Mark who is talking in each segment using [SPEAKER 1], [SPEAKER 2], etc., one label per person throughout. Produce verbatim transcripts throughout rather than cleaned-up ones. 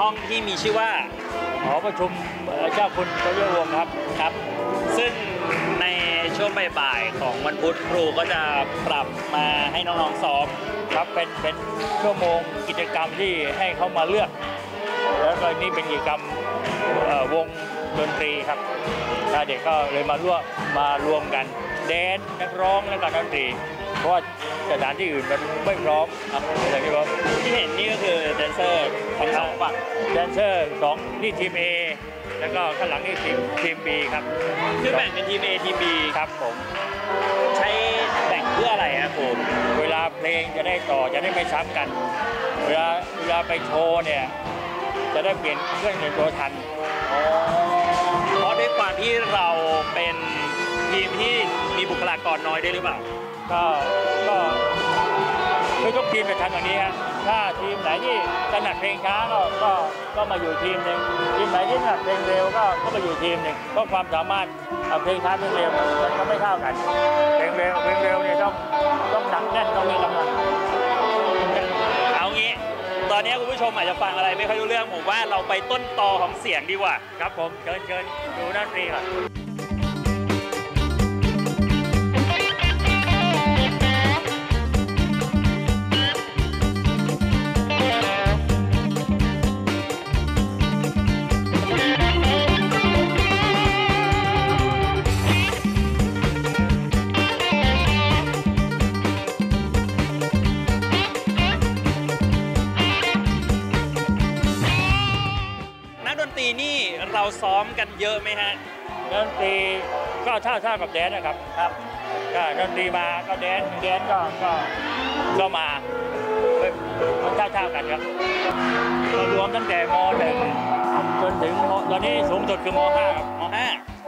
[SPEAKER 1] ห้องที่มีชื่อว่า
[SPEAKER 2] หอประชุมเจ้าคุณทศวงศ์ครับ
[SPEAKER 1] ครับซึ่งในช่วงบ่ายๆของวันพุธครูก็จะปรับมาให้น้องๆซ้อม
[SPEAKER 2] ครับเป็นเป็นชั่วโมงกิจกรรมที่ให้เขามาเลือกแล้วก็นี่เป็นกิจกรรมวงดนตรีครับเด็กก็เลยมาร่วมมารวมกันแดนนักร้องและก็ดนตรีเพราะว่าสถานที่อื่นมันไม่พร้อมครับอย่างที่ผม
[SPEAKER 1] ที่เห็นนี่ก็คือแดนเซอร์ทั้งสองฝั่ง
[SPEAKER 2] แดนเซอร์สองนี่ทีม A แล้วก็ข้างหลังนี่ทีมทีม B ครับ
[SPEAKER 1] คือแบ่งเป็นทีม A ทีม B
[SPEAKER 2] ครับผม
[SPEAKER 1] ใช้แบ่งเพื่ออะไรครับผม
[SPEAKER 2] เวลาเพลงจะได้ต่อจะได้ไม่ซ้ำกันเวลาเวลาไปโชว์เนี่ยจะได้เปลี่ยนเครื่องในตัวทัน
[SPEAKER 1] เพราะด้วยความที่เราเป็นทีมที่มีบุคลากรน้อยได้หรือเปล่า
[SPEAKER 2] ก็ก็คือทุกทีมจะทำอย่างนี้ฮะถ้าทีมไหนที่ถนัดเพลงช้าก็ก็ก็มาอยู่ทีมหนึ่งทีมไหนที่ถนัดเพลงเร็วก็ก็มาอยู่ทีมหนึ่งเพราะความสามารถเพลงช้าเพลงเร็วมันก็ไม่เท่ากันเพลงเร็วเพลงเร็วเนี่ยต้องต้องหนักแน่นต้องมีกำลัง
[SPEAKER 1] เอางี้ตอนนี้คุณผู้ชมอาจจะฟังอะไรไม่ค่อยรู้เรื่องผมว่าเราไปต้นตอของเสียงดีกว่า
[SPEAKER 2] ครับผมเชิญเชิญดูดนตรีก่อน
[SPEAKER 1] นี่เราซ้อมกันเยอะไหมฮะ
[SPEAKER 2] ดนตรีก็เท่าเท่ากับแดนนะครับครับก็ดนตรีมาก็แดนแดนก็ก็ก็มามันเท่าเท่ากันครับเรารวมตั้งแต่ม.หนึ่งจนถึงตอนนี้สูงสุดคือม.ห้าครับ
[SPEAKER 1] ม.ห้าม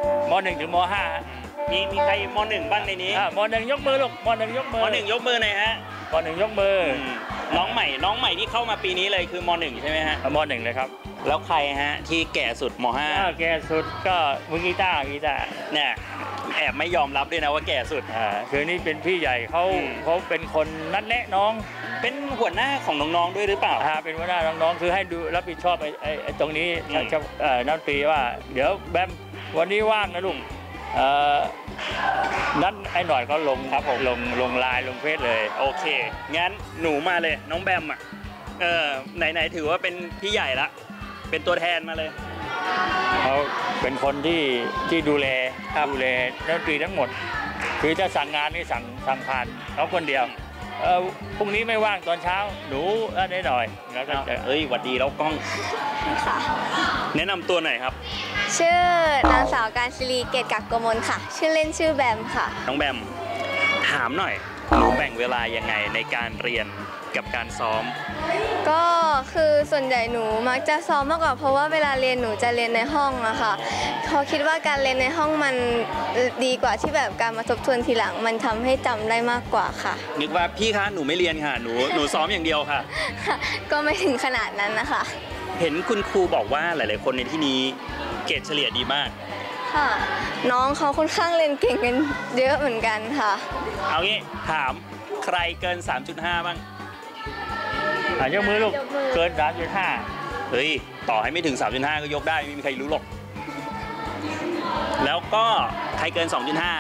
[SPEAKER 2] .หนึ่งถึงม.ห้า
[SPEAKER 1] มีมีใครม.หนึ่งบ้างในนี้
[SPEAKER 2] ม.หนึ่งยกมือลูกม.หนึ่งยกมือ
[SPEAKER 1] ม.หนึ่งยกมือหน่อยฮะ
[SPEAKER 2] ม.หนึ่งยกมือ
[SPEAKER 1] น้องใหม่น้องใหม่ที่เข้ามาปีนี้เลยคือม.หนึ่งใช่ไหมฮะ
[SPEAKER 2] ม.หนึ่งเลยครับ
[SPEAKER 1] แล้วใครฮะที่แก่สุดม.ห้า
[SPEAKER 2] แก่สุดก็มือกีตาร์กีตาร์
[SPEAKER 1] เนี่ยแอบไม่ยอมรับด้วยนะว่าแก่สุด
[SPEAKER 2] อ่าคือนี่เป็นพี่ใหญ่เขาเขาเป็นคนนัดแนะน้อง
[SPEAKER 1] เป็นหัวหน้าของน้องๆด้วยหรือเปล่า
[SPEAKER 2] อ่าเป็นหัวหน้าน้องๆคือให้ดูรับผิดชอบไอ้ไอ้ตรงนี้เอ่อนักดนตรีว่าเดี๋ยวแบมวันนี้ว่างนะลุงเอ่อนั้นไอ้หน่อยเขาลงครับผมลงลงไลน์ลงเฟซเลย
[SPEAKER 1] โอเคงั้นหนูมาเลยน้องแบมอ่ะเออไหนๆถือว่าเป็นพี่ใหญ่ละเป็นตัวแทนมาเลย
[SPEAKER 2] เขาเป็นคนที่ที่ดูแลดูแลดนตรีทั้งหมดคือจะสั่งงานนี่สั่งสั่งผ่านเขาคนเดียวเออพรุ่งนี้ไม่ว่างตอนเช้าหนูได้หน่อยแล้วก็
[SPEAKER 1] เอ้ยหวัดดีแล้วกล้องค่ะแนะนำตัวหน่อยครับ
[SPEAKER 3] ชื่อนางสาวการศิรีเกตกักกมลค่ะชื่อเล่นชื่อแบมค่ะ
[SPEAKER 1] น้องแบมถามหน่อยหนูแบ่งเวลายังไงในการเรียนกับการซ้อม
[SPEAKER 3] ก็คือส่วนใหญ่หนูมักจะซ้อมมากกว่าเพราะว่าเวลาเรียนหนูจะเรียนในห้องอะค่ะเพราะคิดว่าการเรียนในห้องมันดีกว่าที่แบบการมาทบทวนทีหลังมันทำให้จำได้มากกว่าค่ะ
[SPEAKER 1] นึกว่าพี่คะหนูไม่เรียนค่ะหนูหนูซ้อมอย่างเดียวค่ะ
[SPEAKER 3] ก็ไม่ถึงขนาดนั้นนะคะ
[SPEAKER 1] เห็นคุณครูบอกว่าหลายๆคนในที่นี้เกรดเฉลี่ยดีมาก
[SPEAKER 3] ค่ะน้องเขาค่อนข้างเรียนเก่งกันเยอะเหมือนกันค่ะ
[SPEAKER 1] เอางี้ถามใครเกิน สามจุดห้า บ้าง
[SPEAKER 2] ยกมือลูกเกิน สามจุดห้า
[SPEAKER 1] เฮ้ยต่อให้ไม่ถึง สามจุดห้า ก็ยกได้ไม่มีใครรู้หรอกแล้วก็ใครเกิน สองจุดห้า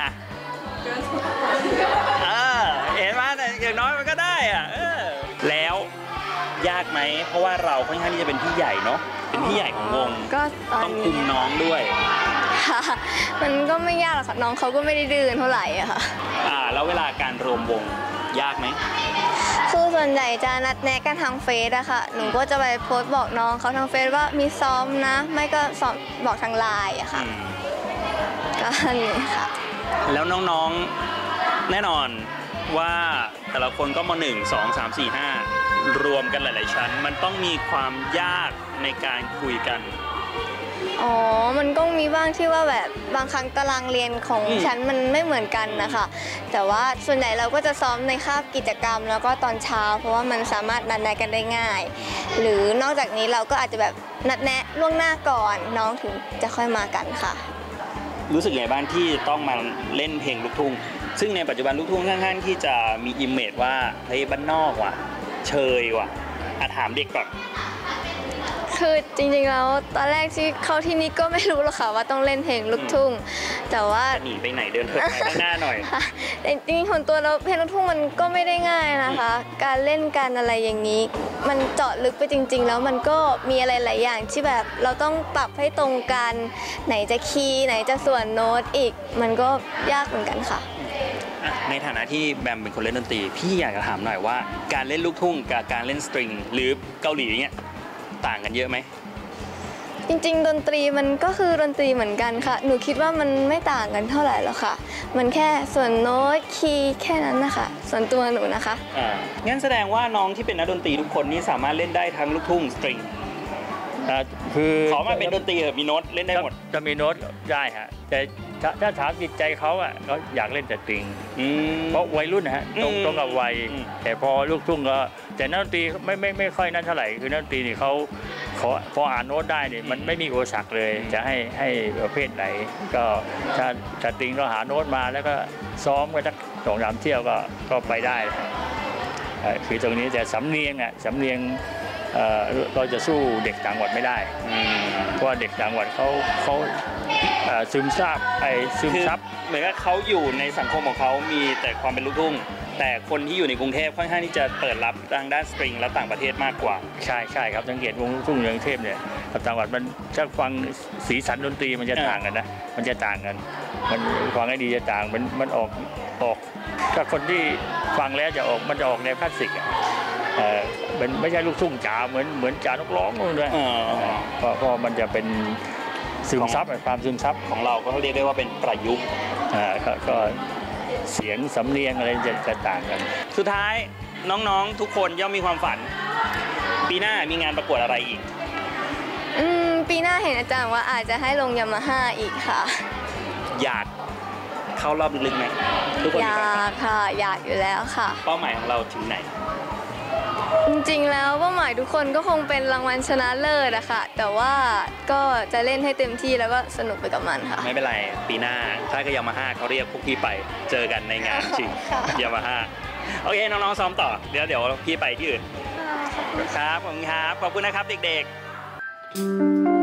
[SPEAKER 1] เออเห็นไหมอย่างน้อยมันก็ได้อ่ะเออแล้วยากไหมเพราะว่าเราค่อนข้างที่จะเป็นพี่ใหญ่เนาะเป็นพี่ใหญ่ของวง
[SPEAKER 3] ก็
[SPEAKER 1] ต้องคุมน้องด้วย
[SPEAKER 3] มันก็ไม่ยากหรอกค่ะน้องเขาก็ไม่ได้ดื้อเท่าไหร่อะค่ะ
[SPEAKER 1] อ่าแล้วเวลาการรวมวงยากไหม
[SPEAKER 3] คือส่วนใหญ่จะนัดแนะกันทางเฟซอะค่ะหนูก็จะไปโพสต์บอกน้องเขาทางเฟซว่ามีซ้อมนะไม่ก็ซ้อมบอกทางไลน์อะค่ะก็นี่ค่ะ
[SPEAKER 1] แล้วน้องๆแน่นอนว่าแต่ละคนก็มาหนึ่งสองสามสี่ห้ารวมกันหลายๆชั้นมันต้องมีความยากในการคุยกัน
[SPEAKER 3] อ๋อมันก็มีบ้างที่ว่าแบบบางครั้งตารางเรียนของชั้นมันไม่เหมือนกันนะคะแต่ว่าส่วนใหญ่เราก็จะซ้อมในคาบกิจกรรมแล้วก็ตอนเช้าเพราะว่ามันสามารถนัดแนะกันได้ง่ายหรือนอกจากนี้เราก็อาจจะแบบนัดแนะล่วงหน้าก่อนน้องถึงจะค่อยมากันค่ะ
[SPEAKER 1] รู้สึกไงบ้างที่ต้องมาเล่นเพลงลูกทุ่งซึ่งในปัจจุบันลูกทุ่งค่อนข้างที่จะมีอิมเมจว่าเฮ้ยบ้านนอกว่ะเชยว่ะอาถามเด็กก่อน
[SPEAKER 3] คือจริงๆแล้วตอนแรกที่เข้าที่นี่ก็ไม่รู้หรอกค่ะว่าต้องเล่นเพลงลูกทุ่งแต่ว่า
[SPEAKER 1] หนีไปไหนเดินเถิดไปข้างหน้าหน่อย
[SPEAKER 3] แต่จริงๆของตัวเราเพลงลูกทุ่งมันก็ไม่ได้ง่ายนะคะ การเล่นการอะไรอย่างนี้ มันเจาะลึกไปจริงๆแล้วมันก็มีอะไรหลายอย่างที่แบบเราต้องปรับให้ตรงกันไหนจะคีย์ไหนจะส่วนโน้ตอีก มันก็ยากเหมือนกันค่ะ
[SPEAKER 1] ในฐานะที่แบมเป็นคนเล่นดนตรีพี่อยากจะถามหน่อยว่าการเล่นลูกทุ่งกับการเล่นสตริงหรือเกาหลีเนี่ยต่างกันเยอะไหม
[SPEAKER 3] จริงๆดนตรีมันก็คือดนตรีเหมือนกันค่ะหนูคิดว่ามันไม่ต่างกันเท่าไหร่หรอกค่ะมันแค่ส่วนโน้ตคีย์แค่นั้นนะคะส่วนตัวหนูนะคะ
[SPEAKER 1] อ่างั้นแสดงว่าน้องที่เป็นนักดนตรีทุกคนนี่สามารถเล่นได้ทั้งลูกทุ่งสตริง
[SPEAKER 2] คือ
[SPEAKER 1] ขอมาเป็นดนตรีเหรอมีโน้ตเล่นได้หมด
[SPEAKER 2] จะมีโน้ตได้ฮะแต่ถ้าถามจิตใจเขาอ่ะเขาอยากเล่นแต่สตริงเพราะวัยรุ่นนะฮะตรงตรงกับวัยแต่พอลูกทุ่งก็แต่นักดนตรีไม่ไม่ไม่ค่อยนั่นเท่าไหร่คือนักดนตรีนี่เขาเขาพออ่านโน้ตได้เนี่ยมันไม่มีอุปสรรคเลยจะให้ให้ประเภทไหนก็ถ้าสตริงก็หาโน้ตมาแล้วก็ซ้อมกันสักสองสามเที่ยวก็ก็ไปได้คือตรงนี้แต่สำเนียงอ่ะสำเนียงเราจะสู้เด็กต่างจังหวัดไม่ได้เพราะว่าเด็กต่างจังหวัดเขาเขาซึมซาบไอ้ซึมซับ
[SPEAKER 1] เหมือนกับเขาอยู่ในสังคมของเขามีแต่ความเป็นลูกทุ่งแต่คนที่อยู่ในกรุงเทพค่อนข้างที่จะเปิดรับทางด้านสตริงและต่างประเทศมากกว่า
[SPEAKER 2] ใช่ใช่ครับสังเกตวงลูกทุ่งในกรุงเทพเนี่ยกับต่างจังหวัดมันถ้าฟังสีสันดนตรีมันจะต่างกันนะมันจะต่างกันมันฟังให้ดีจะต่างมันมันออกออกถ้าคนที่ฟังแล้วจะออกมันจะออกแนวคลาสสิกอ่ะเออมันไม่ใช่ลูกทุ่งจ๋าเหมือนเหมือนจ๋านกร้องนู่นเลยเพราะเพราะมันจะเป็นซึมซับความซึมซับ
[SPEAKER 1] ของเราก็เรียกได้ว่าเป็นประยุกต์
[SPEAKER 2] อ่าก็เสียงสำเนียงอะไรจะจะต่างกัน
[SPEAKER 1] สุดท้ายน้องๆทุกคนย่อมมีความฝันปีหน้ามีงานประกวดอะไรอีก
[SPEAKER 3] อืมปีหน้าเห็นอาจารย์ว่าอาจจะให้ลงยามาฮ่าอีกค่ะ
[SPEAKER 1] อยากเข้ารอบลึกไหม
[SPEAKER 3] ทุกคนอยากค่ะอยากอยู่แล้วค่ะ
[SPEAKER 1] เป้าหมายของเราถึงไหน
[SPEAKER 3] จริงๆแล้วเป้าหมายทุกคนก็คงเป็นรางวัลชนะเลิศอะค่ะแต่ว่าก็จะเล่นให้เต็มที่แล้วก็สนุกไปกับมันค่ะ
[SPEAKER 1] ไม่เป็นไรปีหน้าถ้าก็ยามาฮ่าเขาเรียกพวกพี่ไปเจอกันในงานจริงยามาฮ่าโอเคน้องๆซ้อมต่อเดี๋ยวเดี๋ยวพี่ไปที่อื่นครับขอบคุณครับขอบคุณนะครับเด็กๆ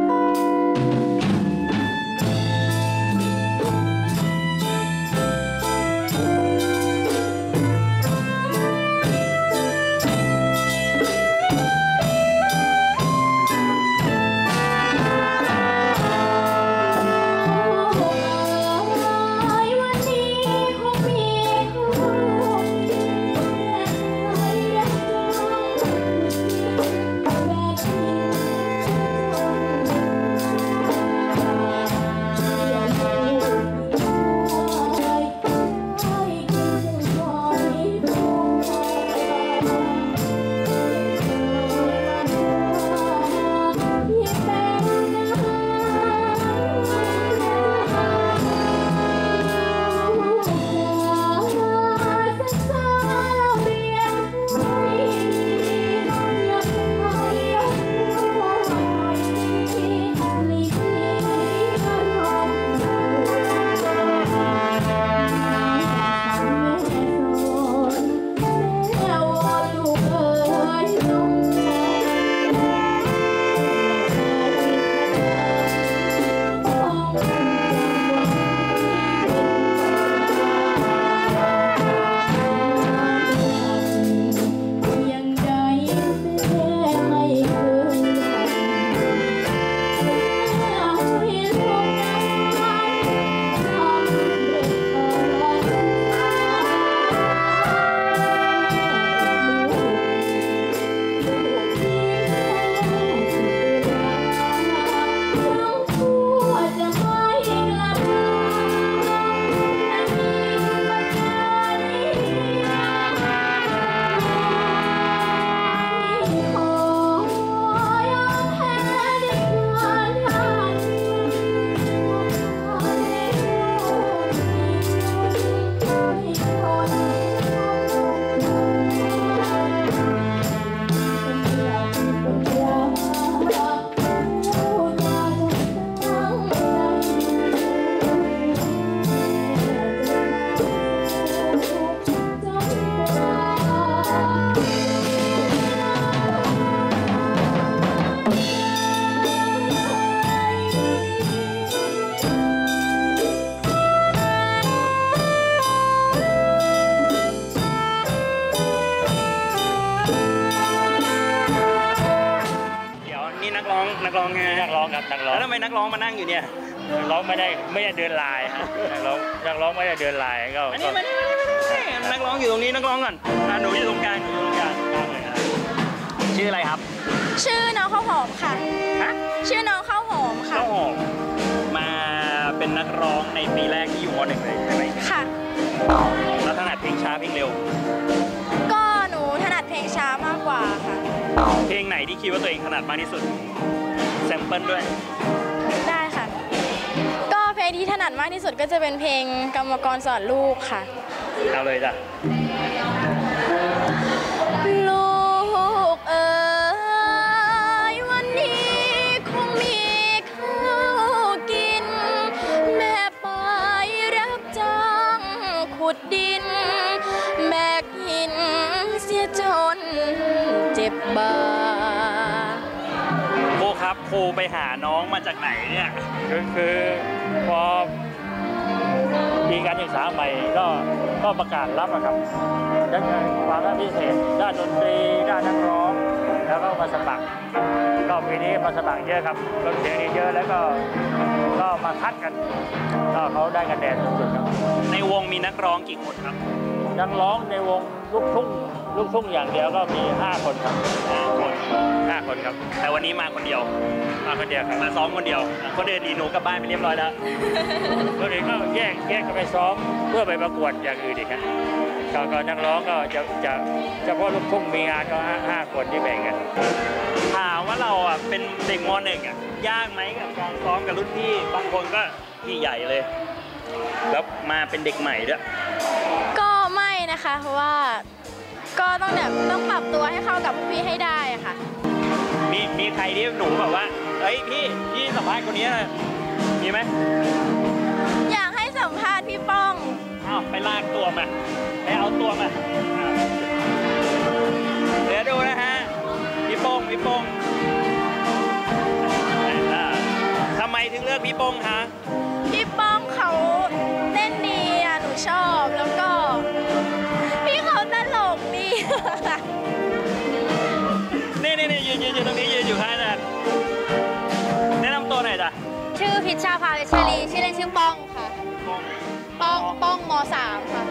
[SPEAKER 2] ครับนักร้อง
[SPEAKER 1] แล้วทำไมนักร้องมานั่งอยู่เนี่ย
[SPEAKER 2] นักร้องไม่ได้ไม่ได้เดินลายฮะนักร้องนักร้องไม่ได้เดินลายก็
[SPEAKER 1] อันนี้มานี่มานี่มานี่นักร้องอยู่ตรงนี้นักร้องก่อนอ่ะหนูอยู่ตรงกลางหนูอยู่ตรงกลางกลางเลยนะชื่ออะไรครับ
[SPEAKER 4] ชื่อน้องข้าวหอมค่ะ
[SPEAKER 1] ฮะ
[SPEAKER 4] ชื่อน้องข้าวหอมค่ะ
[SPEAKER 1] ข้าวหอมมาเป็นนักร้องในปีแรกที่อยู่มหนึ่งเลยใช่ไหม
[SPEAKER 4] ค่ะ
[SPEAKER 1] แล้วถนัดเพลงช้าเพลงเร็ว
[SPEAKER 4] ก็หนูถนัดเพลงช้ามากกว่าค่ะ
[SPEAKER 1] เพลงไหนที่คิดว่าตัวเองถนัดมากที่สุดแซมเปิลด้วย
[SPEAKER 4] ได้ค่ะ ก็เพลงที่ถนัดมากที่สุดก็จะเป็นเพลงกรรมกรสอนลูกค่ะ
[SPEAKER 1] เอาเลยจ้ะ
[SPEAKER 4] ลูกเอ๋ยวันนี้คงมีข้าวกิน แม่ไปรับจ้างขุดดิน แบกหินเสียจนเจ็บบ่า
[SPEAKER 1] โคครับโคไปหาน้องมาจากไหนเนี่ย
[SPEAKER 2] คือคือพอมีการศึกษาใหม่ก็ก็ประกาศรับอะครับด้านความพิเศษด้านดนตรีด้านนักร้องแล้วก็มาสมัครก็ปีนี้มาสมัครเยอะครับรถเสียงเยอะแล้วก็ก็มาคัดกันก็เขาได้คะแนนสุดๆครับ
[SPEAKER 1] ในวงมีนักร้องกี่คนครับ
[SPEAKER 2] นักร้องในวงลูกทุ่งลูกทุ่งอย่างเดียวก็มีห้าคนครับ
[SPEAKER 1] ห้าคน
[SPEAKER 2] ห้าคนครับ
[SPEAKER 1] แต่วันนี้มาคนเดียว
[SPEAKER 2] มาคนเดียวครับ
[SPEAKER 1] มาซ้อมคนเดียวคนเดินดีหนูกลับบ้านไปเรียบร้อยแล้ว
[SPEAKER 2] คนอื่นก็แยกแยกกันไปซ้อมเพื่อไปประกวดอย่างอื่นอีกครับก็ก็นักร้องก็จะจะเฉพาะลูกทุ่งมีงานก็ห้าห้าคนที่แบ่งกัน
[SPEAKER 1] ถามว่าเราอ่ะเป็นเด็กมหนึ่งอ่ะยากไหมกับการซ้อมกับรุ่นพี่บางคนก็พี่ใหญ่เลย แล้วมาเป็นเด็กใหม่ด้วย
[SPEAKER 4] ก็ไม่นะคะ เพราะว่าก็ต้องแบบต้องปรับตัวให้เข้ากับพวกพี่ให้ได้อะค่ะ
[SPEAKER 1] มีมีใครที่หนูแบบว่าเฮ้ยพี่พี่สัมภาษณ์คนนี้หน่อยมีไหม
[SPEAKER 4] อยากให้สัมภาษณ์พี่ป้อง
[SPEAKER 1] อ้าวไปลากตัวมาไปเอาตัวมาอ่าเดี๋ยวดูนะฮะพี่โป้งพี่โป้งอ่าทำไมถึงเลือกพี่โป้งคะ
[SPEAKER 4] พี่ป้องเขาเต้นดีอ่ะหนูชอบแล้วก็ พี่เขาตลกดี
[SPEAKER 1] นี่นี่นี่ยืนยืนอยู่ตรงนี้ยืนอยู่ข้างนั้นแนะนำตัวหน่อยจ้ะ
[SPEAKER 4] ชื่อพิชชาภาวิชาลีชื่อเล่นชื่อป้องค่ะ ป้องป้องมสามค่ะ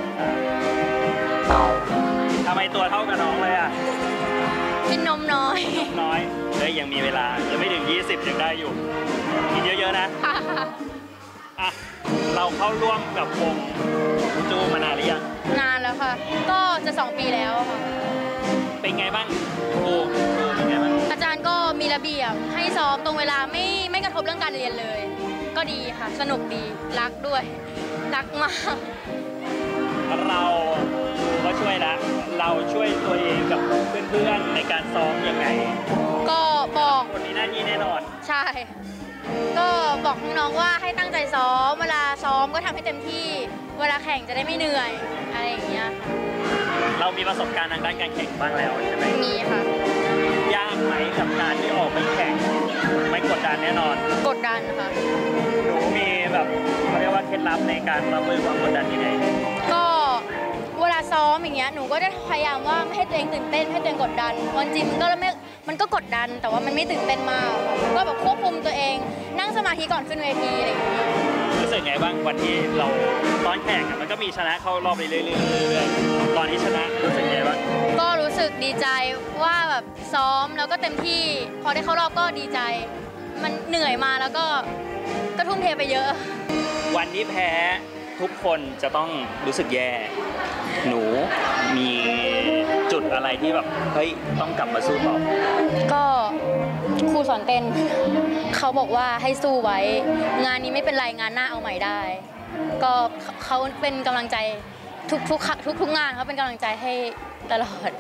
[SPEAKER 1] ทำไมตัวเท่ากับน้องเลยอ่ะ
[SPEAKER 4] กินนมน้อย
[SPEAKER 1] น้อยเฮ้ยยังมีเวลายังไม่ถึงยี่สิบยังได้อยู่กินเยอะๆนะอ่ะเราเข้าร่วมกับวงอูจูมานานหรือยัง
[SPEAKER 4] นานแล้วค่ะ ก็จะสองปีแล้วค่ะ
[SPEAKER 1] เป็นไงบ้างครูครูเป็นไงบ้าง
[SPEAKER 4] อาจารย์ก็มีระเบียบให้ซ้อมตรงเวลาไม่ไม่กระทบเรื่องการเรียนเลย ก็ดีค่ะ สนุกดีรักด้วย รักมาก
[SPEAKER 1] เราก็ช่วยละเราช่วยตัวเองกับเพื่อนๆในการซ้อมยังไง
[SPEAKER 4] ก็บอก
[SPEAKER 1] คนมีหน้าที่แน่นอน
[SPEAKER 4] ใช่ ก็บอกน้องๆว่าให้ตั้งใจซ้อม เวลาซ้อมก็ทำให้เต็มที่ เวลาแข่งจะได้ไม่เหนื่อย อะไรอย่างเงี้ย
[SPEAKER 1] เรามีประสบการณ์ทางด้านการแข่งบ้างแล้วใช่ไหม
[SPEAKER 4] มีค่ะ
[SPEAKER 1] ยากไหมกับการที่ออกไปแข่งไม่กดดันแน่นอน
[SPEAKER 4] กดดันค่ะ
[SPEAKER 1] หนูมีแบบเขาเรียกว่าเคล็ดลับในการรับมือความกดดันยังไง
[SPEAKER 4] ก็เวลาซ้อมอย่างเงี้ย หนูก็จะพยายามว่าไม่ให้ตัวเองตื่นเต้นไม่ให้ตัวเองกดดันวันจริงมันก็ไม่ มันก็กดดัน แต่ว่ามันไม่ตื่นเต้นมากค่ะก็แบบควบคุมตัวเอง นั่งสมาธิก่อนขึ้นเวทีอะไรอย่างเงี้ย
[SPEAKER 1] รู้สึกไงบ้างวันที่เราตอนแข่งอะมันก็มีชนะเข้ารอบไปเรื่อยๆตอนที่ชนะรู้สึกไงบ้าง
[SPEAKER 4] ก็รู้สึกดีใจว่าแบบซ้อมแล้วก็เต็มที่ พอได้เข้ารอบก็ดีใจ มันเหนื่อยมาแล้วก็ก็ทุ่มเทไปเยอะ
[SPEAKER 1] วันที่แพ้ทุกคนจะต้องรู้สึกแย่ หนูมีจุดอะไรที่แบบเฮ้ยต้องกลับมาสู้ต่อ
[SPEAKER 4] ก็ครูสอนเต้น เขาบอกว่าให้สู้ไว้ งานนี้ไม่เป็นไรงานหน้าเอาใหม่ได้ ก็เขาเป็นกำลังใจทุกทุกทุกทุกงานเขาเป็นกำลังใจให้ตลอด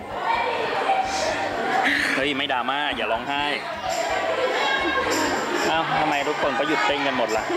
[SPEAKER 1] เฮ้ยไม่ดราม่าอย่าร้องไห้อ้าวทำไมทุกคนก็หยุดเต้นกันหมดล่ะ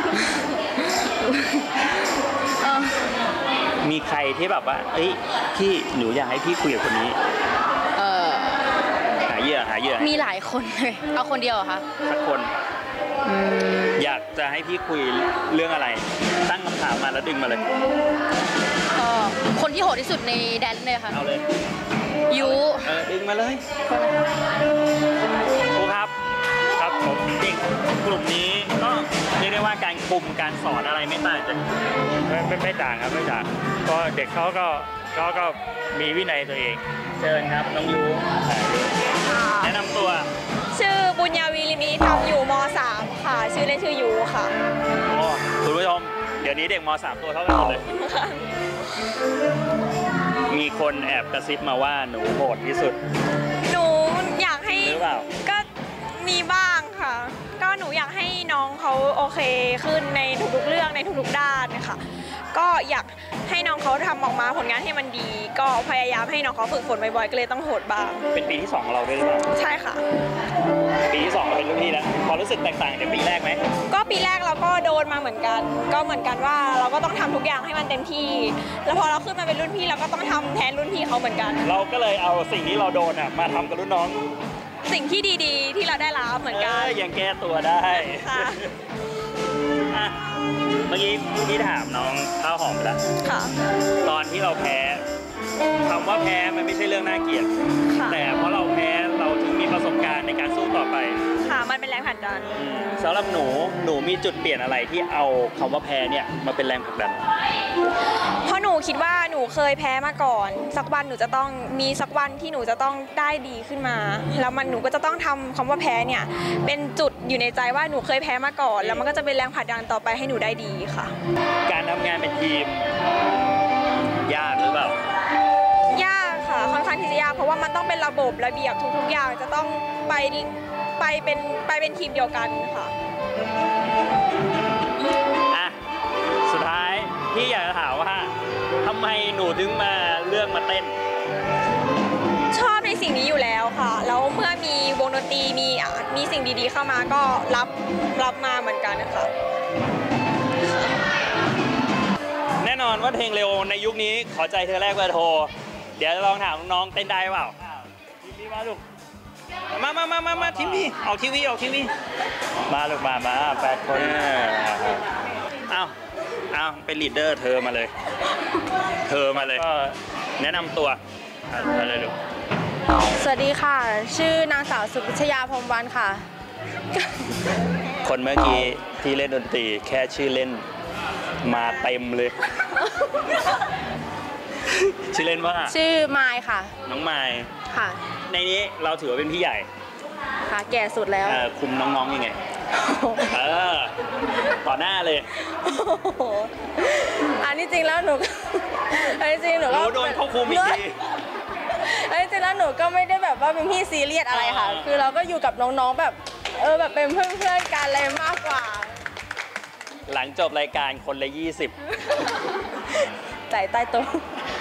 [SPEAKER 1] มีใครที่แบบว่าเอ้ยพี่หนูอยากให้พี่คุยกับคนนี้
[SPEAKER 4] เออ
[SPEAKER 1] หาเหยื่อหาเหยื่อ
[SPEAKER 4] มีหลายคนเลย เอาคนเดียวเหรอคะ
[SPEAKER 1] สักคน อยากจะให้พี่คุยเรื่องอะไร ตั้งคำถามมาแล้วดึงมาเลย
[SPEAKER 4] ก็คนที่โหดที่สุดในแดนเลยค่ะ
[SPEAKER 1] เอาเลย
[SPEAKER 4] ยู
[SPEAKER 1] เออดึงมาเลยครูครับ
[SPEAKER 2] ครับ
[SPEAKER 1] เด็กกลุ่มนี้ก็เรียกได้ว่าการคุมการสอนอะไรไม่ต่างจาก
[SPEAKER 2] ไม่ไม่ไม่ต่างครับไม่ต่างก็เด็กเขาก็เขาก็มีวินัยตัวเอง
[SPEAKER 1] เชิญครับน้องยูแนะนำตัว
[SPEAKER 4] ชื่อบุญญาวีลิมิธรรมอยู่ม .สาม ค่ะชื่อเล่นชื่อยูค่ะ
[SPEAKER 1] โอ้คุณผู้ชมเดี๋ยวนี้เด็กม .สาม ตัวเท่ากันหมดเลยมีคนแอบกระซิบมาว่าหนูโหดที่สุด
[SPEAKER 4] หนูอยากให้
[SPEAKER 1] หรือเปล่า
[SPEAKER 4] ก็มีบ้างค่ะก็หนูอยากให้น้องเขาโอเคขึ้นในทุกๆเรื่องในทุกๆด้านนะคะก็อยากให้น้องเขาทำออกมาผลงานให้มันดีก็พยายามให้น้องเขาฝึกฝนบ่อยๆก็เลยต้องโหดบ้าง
[SPEAKER 1] เป็นปีที่สองของเราด้วยหรือเปล่า
[SPEAKER 4] ใช่ค่ะ
[SPEAKER 1] ปีที่สองเราเป็นรุ่นพี่แล้วพอรู้สึกแตกต่างจากปีแรกไหม
[SPEAKER 4] ก็ปีแรกเราก็โดนมาเหมือนกันก็เหมือนกันว่าเราก็ต้องทำทุกอย่างให้มันเต็มที่แล้วพอเราขึ้นมาเป็นรุ่นพี่เราก็ต้องทำแทนรุ่นพี่เขาเหมือนกัน
[SPEAKER 1] เราก็เลยเอาสิ่งที่เราโดนอ่ะมาทำกับรุ่นน้อง
[SPEAKER 4] สิ่งที่ดีๆที่เราได้รับเหมือนกัน
[SPEAKER 1] ยังแก้ตัวได้
[SPEAKER 4] ค่ะ
[SPEAKER 1] เมื่อกี้พี่ถามน้องข้าวหอมไปแล้ว
[SPEAKER 4] ค่ะ
[SPEAKER 1] ตอนที่เราแพ้คำว่าแพ้มันไม่ใช่เรื่องน่าเกลียดแต่เพราะเราแพ้เราถึงมีประสบการณ์ในการสู้ต่อไป
[SPEAKER 4] ค่ะมันเป็นแรงผลักดัน
[SPEAKER 1] สำหรับหนูหนูมีจุดเปลี่ยนอะไรที่เอาคำว่าแพ้เนี่ยมาเป็นแรงผลักดัน
[SPEAKER 4] เพราะหนูคิดว่าหนูเคยแพ้มาก่อนสักวันหนูจะต้องมีสักวันที่หนูจะต้องได้ดีขึ้นมาแล้วมันหนูก็จะต้องทำคำว่าแพ้เนี่ยเป็นจุดอยู่ในใจว่าหนูเคยแพ้มาก่อนแล้วมันก็จะเป็นแรงผลักดันต่อไปให้หนูได้ดีค่ะ
[SPEAKER 1] การทำงานเป็นทีมยากหรือเปล่าย
[SPEAKER 4] ากค่ะค่อนข้างที่จะยากเพราะว่ามันต้องเป็นระบบระเบียบทุกๆอย่างจะต้องไปไปเป็นไปเป็นทีมเดียวกันค่ะ
[SPEAKER 1] อ่ะสุดท้ายพี่อยากจะถามว่าทำไมหนูถึงมาเลือกมาเต้น
[SPEAKER 4] ชอบในสิ่งนี้อยู่แล้วค่ะแล้วเมื่อมีวงดนตรีมีมีสิ่งดีๆเข้ามาก็รับรับมาเหมือนกันนะคะ
[SPEAKER 1] แน่นอนว่าเพลงเร็วในยุคนี้ขอใจเธอแรกเบอร์โทรเดี๋ยวลองถามน้องเต้นได้เปล่าทีวีมาลูกมามามามามาทีวีออกทีวีออกทีวีมาลูกมามาแปดคนอ้าวอ้าวเป็นลีดเดอร์เธอมาเลยเธอมาเลยแนะนำตัวอะไรลูก
[SPEAKER 5] สวัสดีค่ะชื่อนางสาวสุพิชยาพรหมวรรณค่ะ
[SPEAKER 1] คนเมื่อกี้ที่เล่นดนตรีแค่ชื่อเล่นมาเต็มเลยชื่อเล่นว่า
[SPEAKER 5] ชื่อไมค์ค่ะ
[SPEAKER 1] น้องไมค์
[SPEAKER 5] ค่ะ
[SPEAKER 1] ในนี้เราถือว่าเป็นพี่ใหญ่
[SPEAKER 5] ค่ะแก่สุดแล้ว
[SPEAKER 1] คุมน้องๆยังไงเออต่อหน้าเลย
[SPEAKER 5] อันนี้จริงแล้วหนูอันนี้จริงหนูก็
[SPEAKER 1] โดนเขาคุมอีกที
[SPEAKER 5] อันนี้จริงแล้วหนูก็ไม่ได้แบบว่าเป็นพี่ซีเรียสอะไรค่ะคือเราก็อยู่กับน้องๆแบบเออแบบเป็นเพื่อนๆกันอะไรมากกว่า
[SPEAKER 1] หลังจบรายการคนละยี่สิบ
[SPEAKER 5] ใจใต้โต๊ะ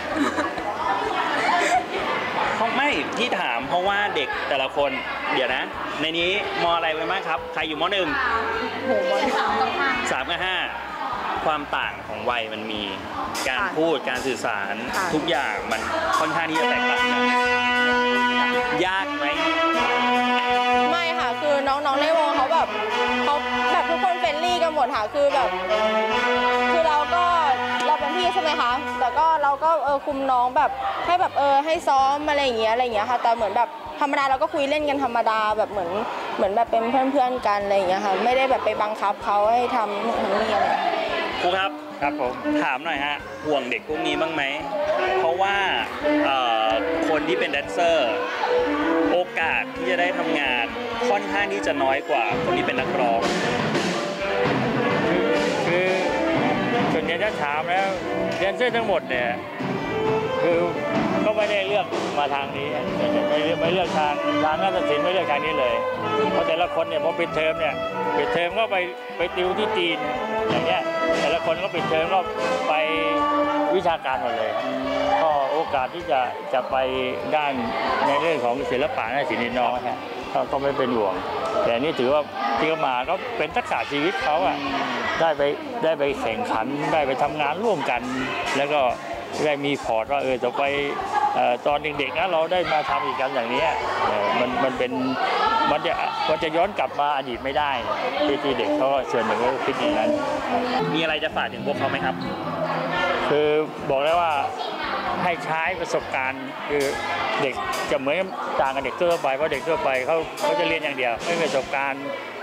[SPEAKER 1] เขาไม่ที่ถามเพราะว่าเด็กแต่ละคนเดี๋ยวนะในนี้มอะไรไปบ้างครับใครอยู่มหนึ่ง
[SPEAKER 5] โหมสามกับห้า
[SPEAKER 1] สามกับห้าความต่างของวัยมันมีการพูดการสื่อสารทุกอย่างมันค่อนข้างที่จะแตกต่างกันยากไหม
[SPEAKER 5] ไม่ค่ะคือน้องๆในวงเขาแบบเขาแบบทุกคนเฟรนลี่กันหมดค่ะคือแบบคือเราก็เราเป็นพี่ใช่ไหมคะแต่ก็เราก็เออคุมน้องแบบให้แบบเออให้ซ้อมอะไรอย่างเงี้ยอะไรอย่างเงี้ยค่ะแต่เหมือนแบบธรรมดาเราก็คุยเล่นกันธรรมดาแบบเหมือนเหมือนแบบเป็นเพื่อนๆกันอะไรอย่างเงี้ยค่ะไม่ได้แบบไปบังคับเขาให้ทำนู่นนี่อะไร
[SPEAKER 1] ครูครับครับผมถามหน่อยฮะห่วงเด็กพวกนี้บ้างไหมเพราะว่าคนที่เป็นแดนเซอร์โอกาสที่จะได้ทำงานค่อนข้างที่จะน้อยกว่าคนที่เป็นนักร้อง
[SPEAKER 2] คือส่วนใหญ่ถ้าถามแล้วแดนเซอร์ทั้งหมดเนี่ยคือก็ไม่ได้เลือกมาทางนี้ไม่ไม่เลือกทางทางนาฏศิลป์ไม่เลือกทางนี้เลยเพราะแต่ละคนเนี่ยพอปิดเทอมเนี่ยปิดเทอมก็ไปไปติวที่จีนอย่างเงี้ยแต่ละคนก็ปิดเทอมก็ไปวิชาการหมดเลยก็โอกาสที่จะจะไปด้านในเรื่องของศิลปะนาฏศิลป์นี่น้อยก็ไม่เป็นห่วงแต่นี่ถือว่าที่เขามาก็เป็นทักษะชีวิตเขาอ่ะได้ไปได้ไปแข่งขันได้ไปทำงานร่วมกันแล้วก็ได้มีพอร์ตว่าเออจะไปตอนเด็กๆนะเราได้มาทำอีกกันอย่างนี้มันมันเป็นมันจะมันจะย้อนกลับมาอดีตไม่ได้ที่ที่เด็กเขาเชิญหนึ่งก็คิดอย่างนั้น
[SPEAKER 1] มีอะไรจะฝากถึงพวกเขาไหมครับ
[SPEAKER 2] คือบอกได้ว่าให้ใช้ประสบการณ์คือเด็กจะเหมือนต่างกับเด็กทั่วไปเพราะเด็กทั่วไปเขาเขาจะเรียนอย่างเดียวไม่มีประสบการณ์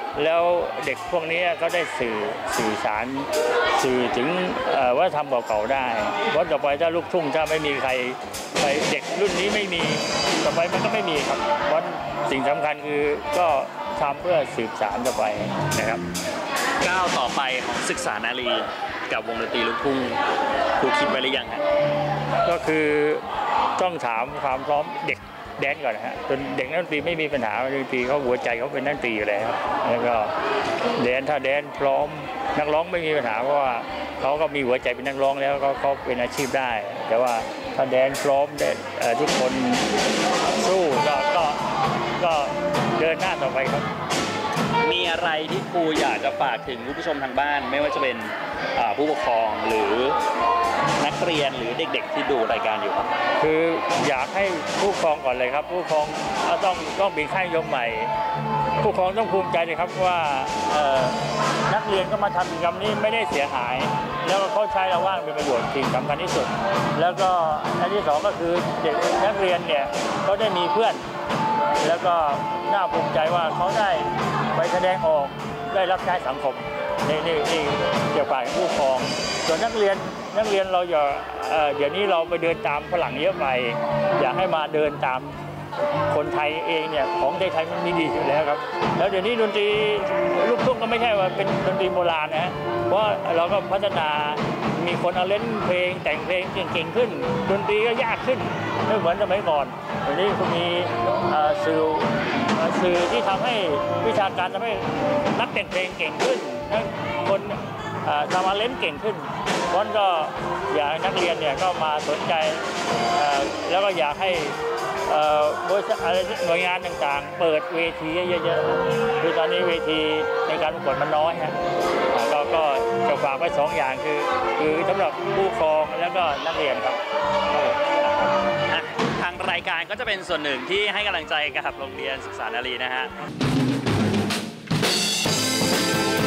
[SPEAKER 2] แล้วเด็กพวกนี้ก็ได้สื่อสื่อสารสื่อถึงวัฒนธรรมเก่าๆได้เพราะต่อไปถ้าลูกทุ่งถ้าไม่มีใครไปเด็กรุ่นนี้ไม่มีต่อไปมันก็ไม่มีครับเพราะสิ่งสำคัญคือก็ทำเพื่อสืบสานต่อไปนะครับ
[SPEAKER 1] ก้าวต่อไปของศึกษานารีกับวงดนตรีลูกทุ่งครูคิดไว้หรือยังฮะ
[SPEAKER 2] ก็คือต้องถามความพร้อมเด็กแดนก่อนนะฮะจนเด็กนักดนตรีไม่มีปัญหาดนตรีเขาหัวใจเขาเป็นนักดนตรีอยู่แล้วแล้วก็แดนถ้าแดนพร้อมนักร้องไม่มีปัญหาเพราะว่าเขาก็มีหัวใจเป็นนักร้องแล้วก็เขาเป็นอาชีพได้แต่ว่าถ้าแดนพร้อมทุกคนสู้ก็ก็ก็เดินหน้าต่อไปครับ
[SPEAKER 1] มีอะไรที่ครูอยากจะฝากถึงผู้ชมทางบ้านไม่ว่าจะเป็นผู้ปกครองหรือนักเรียนหรือเด็กๆที่ดูรายการอยู่ครับ
[SPEAKER 2] คืออยากให้ผู้ปกครองก่อนเลยครับผู้ปกครองต้องต้องเป็นค่ายนิยมใหม่ผู้ปกครองต้องภูมิใจเลยครับว่านักเรียนก็มาทำกิจกรรมนี้ไม่ได้เสียหายแล้วเขาใช้เราว่างเป็นประโยชน์สิ่งสำคัญที่สุดแล้วก็อันที่สองก็คือเด็กนักเรียนเนี่ยเขาได้มีเพื่อนแล้วก็น่าภูมิใจว่าเขาได้ไปแสดงออกได้รับใช้สังคมนี่นี่นี่เกี่ยวกับผู้ปกครองส่วนนักเรียนนักเรียนเราอย่าเดี๋ยวนี้เราไปเดินตามฝรั่งเยอะไปอยากให้มาเดินตามคนไทยเองเนี่ยของไทยมันมีดีอยู่แล้วครับแล้วเดี๋ยวนี้ดนตรีลูกทุ่งก็ไม่ใช่ว่าเป็นดนตรีโบราณนะเพราะเราก็พัฒนามีคนเอาเล่นเพลงแต่งเพลงเก่งๆขึ้นดนตรีก็ยากขึ้นไม่เหมือนสมัยก่อนเดี๋ยวนี้ก็มีสื่อสื่อที่ทำให้วิชาการทำให้นักแต่งเพลงเก่งขึ้นคนทำอาเล่นเก่งขึ้นเพราะก็อยากให้นักเรียนเนี่ยก็มาสนใจแล้วก็อยากให้บริษัทหน่วยงานต่างๆเปิดเวทีเยอะๆคือตอนนี้เวทีในการประกวดมันน้อยฮะเราก็จะฝากไว้สองอย่างคือคือสำหรับผู้ปกครองแล้วก็นักเรียนครับ
[SPEAKER 1] ทางรายการก็จะเป็นส่วนหนึ่งที่ให้กำลังใจกับโรงเรียนศึกษานารีนะฮะ